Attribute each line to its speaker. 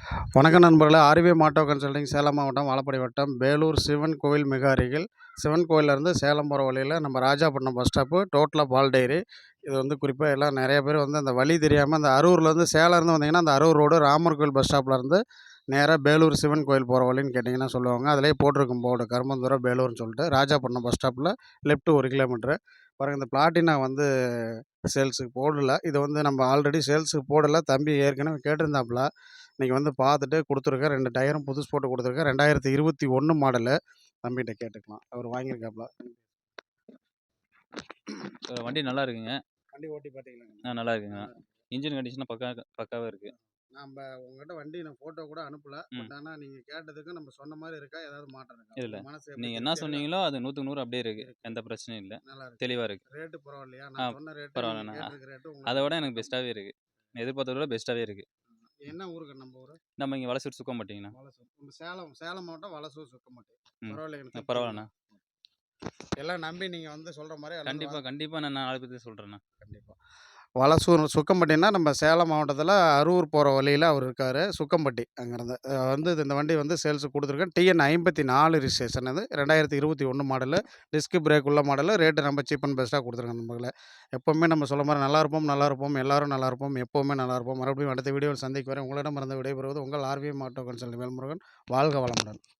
Speaker 1: வணக்கம் நண்பர்களே! ORVM auto consulting Salem மாவட்டம், வாழப்பாடி வட்டம், பேலூர் சிவன் கோவில் மிக அருகில். சிவன் கோவில்லேருந்து சேலம் போகிற வழியில் நம்ம ராஜாப்பட்டினம் பஸ் ஸ்டாப்பு, டோட்டலா பால் டைரி. இது வந்து குறிப்பாக எல்லாம் நிறைய பேர் வந்து அந்த வழி தெரியாமல் அந்த அரூர்லேருந்து சேலம்லேருந்து வந்தீங்கன்னா, அந்த அரூர் ரோடு ராமர் கோவில் பஸ் ஸ்டாப்லேருந்து நேராக பேலூர் சிவன் கோவில் போகிற வழின்னு கேட்டிங்கன்னா சொல்லுவாங்க. அதிலேயே போட்டிருக்கும் போர்டு கருமந்துறை பேலூர்னு சொல்லிட்டு. ராஜாப்பட்டினம் பஸ் ஸ்டாப்பில் லெஃப்ட்டு 1 கிலோமீட்ரு. பாருங்க, இந்த பிளாட்டினா வந்து சேல்ஸுக்கு போடல. இது வந்து நம்ம ஆல்ரெடி சேல்ஸுக்கு போடல. தம்பி ஏற்கனவே கேட்டிருந்தாப்புல. இன்னைக்கு வந்து பார்த்துட்டு குடுத்துருக்கேன். 2 டயரும் புதுசு போட்டு குடுத்துருக்கேன். 2021 மாடலு. தம்பிட்ட கேட்டுக்கலாம். அவரு வாங்கியிருக்காப்புல.
Speaker 2: வண்டி நல்லா இருக்குங்க.
Speaker 1: வண்டி ஓட்டி பார்த்தீங்களாங்க?
Speaker 2: நல்லா இருக்குங்க.
Speaker 1: நல்லா இருக்கு.
Speaker 2: இன்ஜின் கண்டிஷன்லாம் பக்காவா இருக்கு.
Speaker 1: நம்ப உங்ககிட்ட வண்டி நான் ஃபோட்டோ கூட அனுப்பல. பட் ஆனா நீங்க கேட்டதுக்கு நம்ம சொன்ன மாரி இருக்கா? ஏதாவது மாற்றம் இருக்கா?
Speaker 2: இல்ல.
Speaker 1: உங்க மனசு எப்படி
Speaker 2: நீங்க என்ன
Speaker 1: திருப்தியா இருக்கா?
Speaker 2: சொன்னீங்களோ அது 100க்கு 100 அப்படியே இருக்கு.
Speaker 1: இருக்கு.
Speaker 2: எந்த பிரச்சனையும் இல்ல.
Speaker 1: நல்லா இருக்கு.
Speaker 2: தெளிவா இருக்கு.
Speaker 1: ரேட்டு பரவாயில்லையா? நான் சொன்ன ரேட்டு, நீங்க
Speaker 2: பரவாயில்லண்ணா.
Speaker 1: கேட்டிருக்க ரேட்டு
Speaker 2: அத
Speaker 1: உங்களுக்கு
Speaker 2: விட எனக்கு பெஸ்ட்டாவே இருக்கு. எதிர்பார்த்தத விட பெஸ்ட்டாவே இருக்கு.
Speaker 1: என்ன ஊருங்க நம்ம ஊரு?
Speaker 2: நம்ம இங்க வலசூர் சுக்கம்பட்டிங்கண்ணா.
Speaker 1: வலசூர். நம்ம சேலம் மாவட்டம் வலசூர் சுக்கம்பட்டி.
Speaker 2: ம்.
Speaker 1: பரவாயில்லைங்க.
Speaker 2: பரவாயில்லண்ணா.
Speaker 1: எல்லாம் நம்பி நீங்க வந்து சொல்ற மாரி
Speaker 2: கண்டிப்பா நான் 4 பேத்துக்கு சொல்றேண்ணா.
Speaker 1: கண்டிப்பா. வலசூர் சுக்கம்பட்டின்னா, நம்ம சேலம் மாவட்டத்தில அரூர் போற வழியில அவரு இருக்காரு. சுக்கம்பட்டி அங்கேருந்து. வந்து இந்த வண்டி வந்து சேல்ஸுக்கு குடுத்துருக்கேன். டிஎன் 54 ரிஜிஸ்ட்ரேஷன் இது. 2021 மாடலு. டிஸ்க் பிரேக் உள்ள மாடலு. ரேட்டு ரொம்ப சீப் அண்ட் பெஸ்ட்டா குடுத்துருக்கேன் நண்பர்களே. எப்பவுமே நம்ம சொல்ல மாரி நல்லாயிருப்போம். எல்லாரும் நல்லாயிருப்போம். எப்பவுமே நல்லாயிருப்போம். மறுபடியும் அடுத்த வீடியோவில் சந்திக்கும் வரை உங்களிடமிருந்து விடைபெறுவது உங்கள் ஆர்விஎம் ஆட்டோ கன்சல்டிங் வேல்முருகன். வாழ்க வளமுடன்.